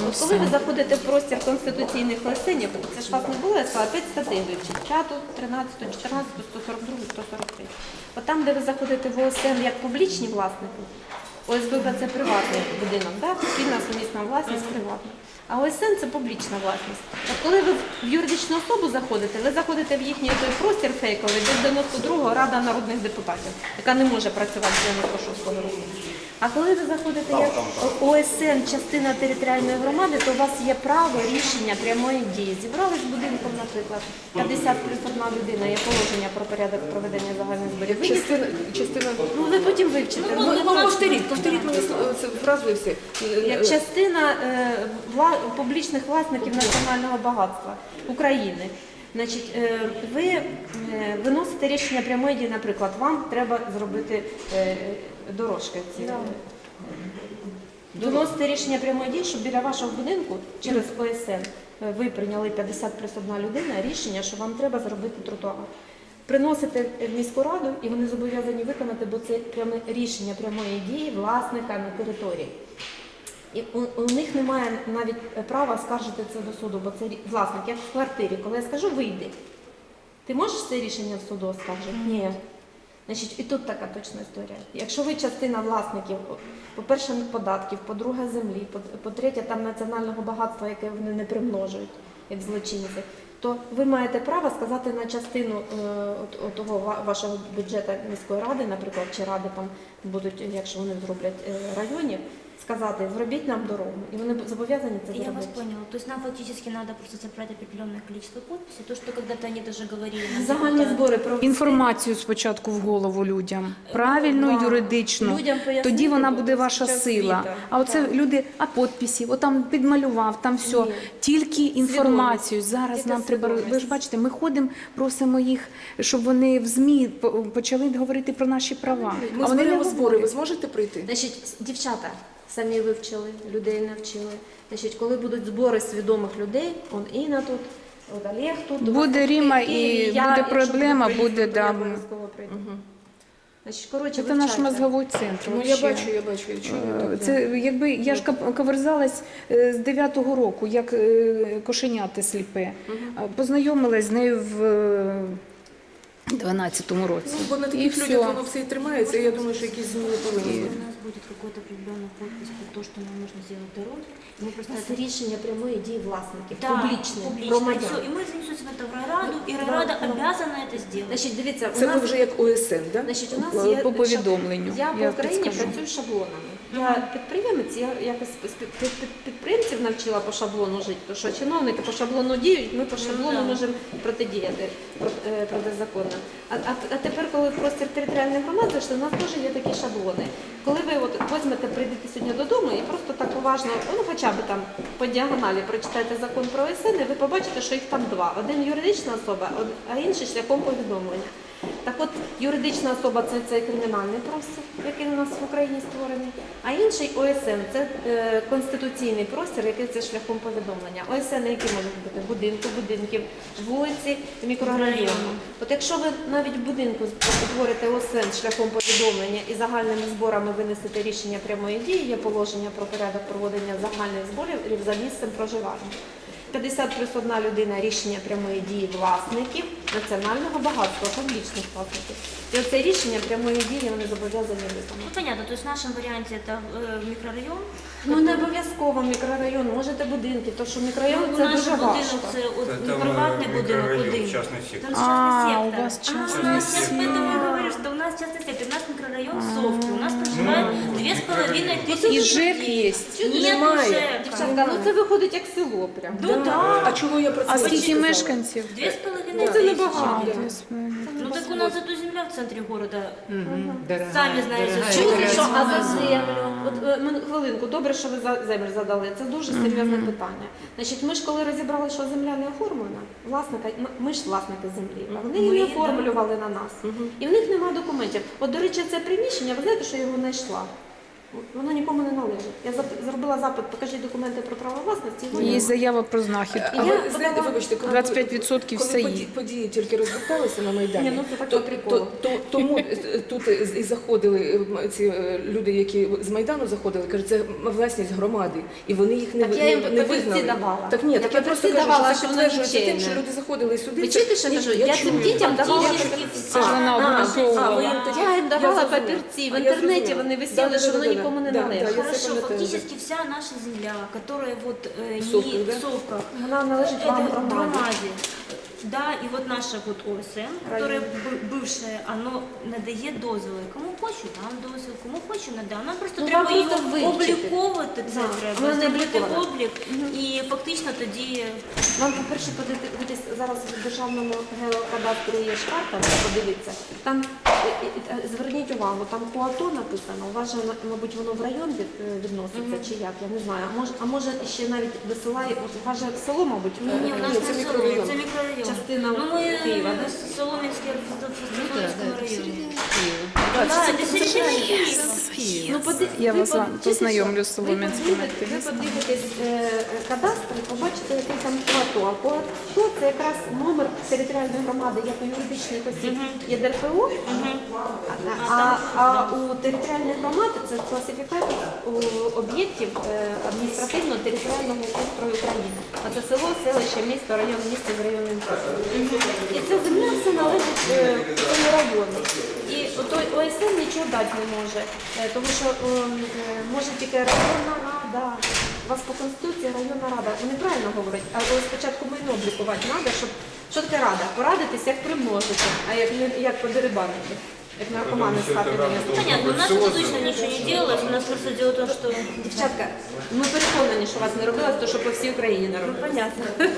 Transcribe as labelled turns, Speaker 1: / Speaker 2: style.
Speaker 1: От коли ви заходите в простір конституційних ОСНів, це ж вас не було, я сказала, 5 статей вивчити, 5, 13, 14, 142, 143. От там, де ви заходите в ОСН як публічні власники, ОСББ – це приватний будинок, да? Спільна сумісна власність приватна. А ОСН – це публічна власність. От коли ви в юридичну особу заходите, ви заходите в їхній той простір фейковий, де 92-го Рада народних депутатів, яка не може працювати з 96-го року. А коли ви заходите як ОСН, частина територіальної громади, то у вас є право рішення прямої дії. Зібрались будинком, наприклад, 50 плюс 1 людина, є положення про порядок проведення загальних зборів.
Speaker 2: Частина...
Speaker 1: Ну, ви потім вивчите.
Speaker 2: Повторіть мені фразу і все.
Speaker 1: Як частина публічних власників національного багатства України. Значить, ви виносите рішення прямої дії, наприклад, вам треба зробити дорожки. Виносите рішення прямої дії, щоб біля вашого будинку через ОСН ви прийняли 50 плюс 1 людина рішення, що вам треба зробити тротуар. Приносите в міську раду і вони зобов'язані виконати, бо це рішення прямої дії власника на території. І у них немає навіть права скаржити це до суду, бо це власник, як в квартирі. Коли я скажу, вийди, ти можеш це рішення в суду оскаржити? Ні. Значить, і тут така точна історія. Якщо ви частина власників, по-перше, податків, по-друге, землі, по-третє, там національного багатства, яке вони не примножують, як злочинці, то ви маєте право сказати на частину того вашого бюджету міської ради, наприклад, чи ради там будуть, якщо вони зроблять районів, сказати, зробіть нам дорогу. І вони зобов'язані це зробити.
Speaker 3: Я вас поняла. То есть нам фактически надо просто собрать определенное количество подписей. То, что когда-то они даже говорили.
Speaker 1: Загальні збори про
Speaker 4: Інформацію спочатку в голову людям, правильну, юридичну, тоді вона буде ваша сила. А оце люди, а підписи, отам підмалював, там все. Тільки інформацію. Зараз нам треба, ви ж бачите, ми ходимо, просимо їх, щоб вони в ЗМІ почали говорити про наші права.
Speaker 2: Ми зберемо збори, ви зможете прийти?
Speaker 1: Значить, дівчата самі вивчили, людей навчили. Значить, коли будуть збори свідомих людей, он Інна тут, от Олег тут.
Speaker 4: Буде Ріма і буде проблема, буде, да.
Speaker 1: Значить, коротше,
Speaker 4: Це наш мозговий центр.
Speaker 2: Ну, я бачу, я чую.
Speaker 4: Це, якби, я ж каверзалась з 9-го року, як кошеняти сліпе. Познайомилась з нею в 12-му році.
Speaker 2: Ну, бо на таких людях воно все і тримається, і я думаю, що якісь зміни повинні бути.
Speaker 3: У нас будет какой-то определенный подпись под то, что нам нужно сделать дороги. И мы просто
Speaker 1: Це рішення прямої дії власників,
Speaker 3: Да,
Speaker 1: публічне,
Speaker 3: публично.
Speaker 1: громадян.
Speaker 3: Всё, и мы занесем это в райраду, и райрада обязана это сделать.
Speaker 1: Значить, дивіться, у
Speaker 2: Це
Speaker 1: нас...
Speaker 2: ви вже як ОСН, так?
Speaker 1: Значить, у нас є
Speaker 4: По повідомленню.
Speaker 1: Я по
Speaker 4: Я
Speaker 1: Україні
Speaker 4: підскажу.
Speaker 1: працюю шаблонами. Я підприємець, я якось підприємців навчила по шаблону жити, тому що чиновники по шаблону діють, ми по шаблону можемо протидіяти протизаконно. А тепер, коли в простір територіальної громади, що у нас теж є такі шаблони. Коли ви от візьмете, прийдете сьогодні додому і просто так уважно, ну хоча б там по діагоналі прочитаєте закон про ОСН, і ви побачите, що їх там два. Один юридична особа, а інший шляхом повідомлення. Так от, юридична особа – це цей кримінальний простір, який у нас в Україні створений, а інший ОСН – це конституційний простір, який це шляхом повідомлення. ОСН, які можуть бути будинків, вулиці, мікрорайону. От якщо ви навіть в будинку утворите ОСН шляхом повідомлення і загальними зборами винесете рішення прямої дії, є положення про порядок проведення загальних зборів за місцем проживання. 50 плюс 1 людина рішення прямої дії власників національного багатства, публічних власників. І оце рішення прямої дії вони зобов'язані виконати.
Speaker 3: Ну, понятно, то есть в нашем варианте это микрорайон.
Speaker 1: Ну не обов'язково мікрорайон, можете будинки, тому що мікрорайон
Speaker 3: Ну,
Speaker 1: це
Speaker 3: наш
Speaker 1: дуже
Speaker 3: будинок,
Speaker 1: важко.
Speaker 3: це от,
Speaker 5: Это
Speaker 3: приватний будинок,
Speaker 5: микрорайон,
Speaker 3: один.
Speaker 5: частный сектор.
Speaker 3: Там частный
Speaker 4: А,
Speaker 3: сектор.
Speaker 4: у вас
Speaker 3: У
Speaker 4: частный
Speaker 3: нас сейчас
Speaker 4: сектор.
Speaker 3: поэтому я говорю, что у нас частный сектор, у нас микрорайон Совки, у нас проживает 2500
Speaker 4: І ЖЕК
Speaker 3: людей.
Speaker 4: є.
Speaker 3: Нет
Speaker 2: Немає.
Speaker 3: ЖЭКа.
Speaker 1: Дівчатка, ну це виходить як село прям.
Speaker 3: Ну да.
Speaker 2: А чого я про це
Speaker 4: А
Speaker 2: не
Speaker 4: скільки
Speaker 2: сказала?
Speaker 4: мешканців?
Speaker 3: 2500
Speaker 1: це
Speaker 3: тысячи.
Speaker 1: небагато.
Speaker 3: Ну так у нас зато земля в центре города. Сами знаете,
Speaker 1: Чули, що а за землю? От хвилинку, добре, що ви за землю задали. Це дуже серйозне питання. Значить, ми ж коли розібрали, що земля не оформлена, власника, ми ж власники землі, а вони її не оформлювали на нас. І в них немає документів. От, до речі, це приміщення, ви знаєте, що я його знайшла? Воно нікому не належить. Я зробила запит, покажіть документи про право власності. і воно-
Speaker 4: Є заява про знахід.
Speaker 2: А
Speaker 1: Я
Speaker 2: ви знаєте,
Speaker 1: подала-
Speaker 2: вибачте, коли
Speaker 4: 25%
Speaker 2: коли
Speaker 4: все є.
Speaker 2: події тільки розгорталися на Майдані,
Speaker 1: Ні, ну це так по приколу.
Speaker 2: тому тут і заходили ці люди, які з Майдану заходили, кажуть, це власність громади, і вони їх не,
Speaker 1: Так я їм
Speaker 2: не
Speaker 1: папірці
Speaker 2: визнали.
Speaker 1: давала.
Speaker 2: Так ні,
Speaker 1: Я
Speaker 2: так я просто
Speaker 1: папірці
Speaker 2: кажу,
Speaker 1: давала,
Speaker 2: що це
Speaker 1: що воно
Speaker 2: підтверджується тим,
Speaker 1: нічийне.
Speaker 2: що люди заходили сюди.
Speaker 1: Ви
Speaker 2: це-
Speaker 1: чуєте, що я
Speaker 2: Ні,
Speaker 1: кажу? Я цим
Speaker 2: чую.
Speaker 1: дітям давала
Speaker 3: Фактически
Speaker 4: Це ж вона обґрунтовувала.
Speaker 2: ви їм тоді-
Speaker 1: Я їм давала
Speaker 2: зрозуміла.
Speaker 1: папірці, в
Speaker 2: А я
Speaker 1: інтернеті
Speaker 2: зрозуміла.
Speaker 1: вони висіли, що воно нікому не
Speaker 2: Да,
Speaker 1: належить.
Speaker 2: да, я це
Speaker 3: Хорошо,
Speaker 2: пам'ятаю.
Speaker 3: фактически вся наша земля, которая вот
Speaker 2: В Совках,
Speaker 3: не
Speaker 2: да?
Speaker 3: в Совках,
Speaker 1: Вона належить вам
Speaker 3: это
Speaker 1: громаді.
Speaker 3: громаде. Да, и вот наша вот ОСН, которая бывшая, оно надає дозволи. Кому хочу, дам дозвіл, кому хочу, не дам. Нам просто
Speaker 1: Ну,
Speaker 3: треба
Speaker 1: вам просто
Speaker 3: його
Speaker 1: вивчити.
Speaker 3: обліковувати, це
Speaker 1: Да,
Speaker 3: треба,
Speaker 1: воно не
Speaker 3: зробити
Speaker 1: обліковано.
Speaker 3: облік, і фактично тоді
Speaker 1: Вам, по-перше, подивитись зараз в державному геокадастрі є ж карта, подивіться. Там, зверніть увагу, там КУАТО написано, у вас же, мабуть, воно в район відноситься, чи як, я не знаю. А може ще навіть висилає, от у вас же село, мабуть,
Speaker 3: ні, у нас
Speaker 2: Ні,
Speaker 3: не
Speaker 2: це
Speaker 3: село,
Speaker 2: мікрорайон.
Speaker 3: це мікрорайон.
Speaker 1: частина
Speaker 3: Ну, ми
Speaker 1: Києва, да?
Speaker 3: в Солом'янському районі.
Speaker 2: Так,
Speaker 3: Да,
Speaker 2: це
Speaker 3: це середина Києва.
Speaker 1: Ну,
Speaker 4: Я вас
Speaker 1: чуєте,
Speaker 4: познайомлю
Speaker 1: що?
Speaker 4: з Солом'янським
Speaker 1: Ви подивитесь кадастр і побачите, який там КУАТО. А КУАТО – це якраз номер територіальної громади, як у юридичних осіб є ДРПО, а у територіальної громади це класифікатор об'єктів адміністративно-територіального устрою України. А це село, селище, місто, район, місто з районним центром. І ця земля все належить цьому району. І той ОСН нічого дати не може, тому що може тільки районна рада. У вас по Конституції районна рада. Вони правильно говорять, але спочатку майно облікувати треба, щоб що таке рада? Порадитись, як примножити, а як подерибанити, як наркомани з хати винести.
Speaker 3: Понятно, у нас это точно ничего не делалось, у нас просто дело в том, что...
Speaker 1: Дівчатка, ми переконані, що вас не робилось, то що по всій Україні не робилось.
Speaker 3: Понятно.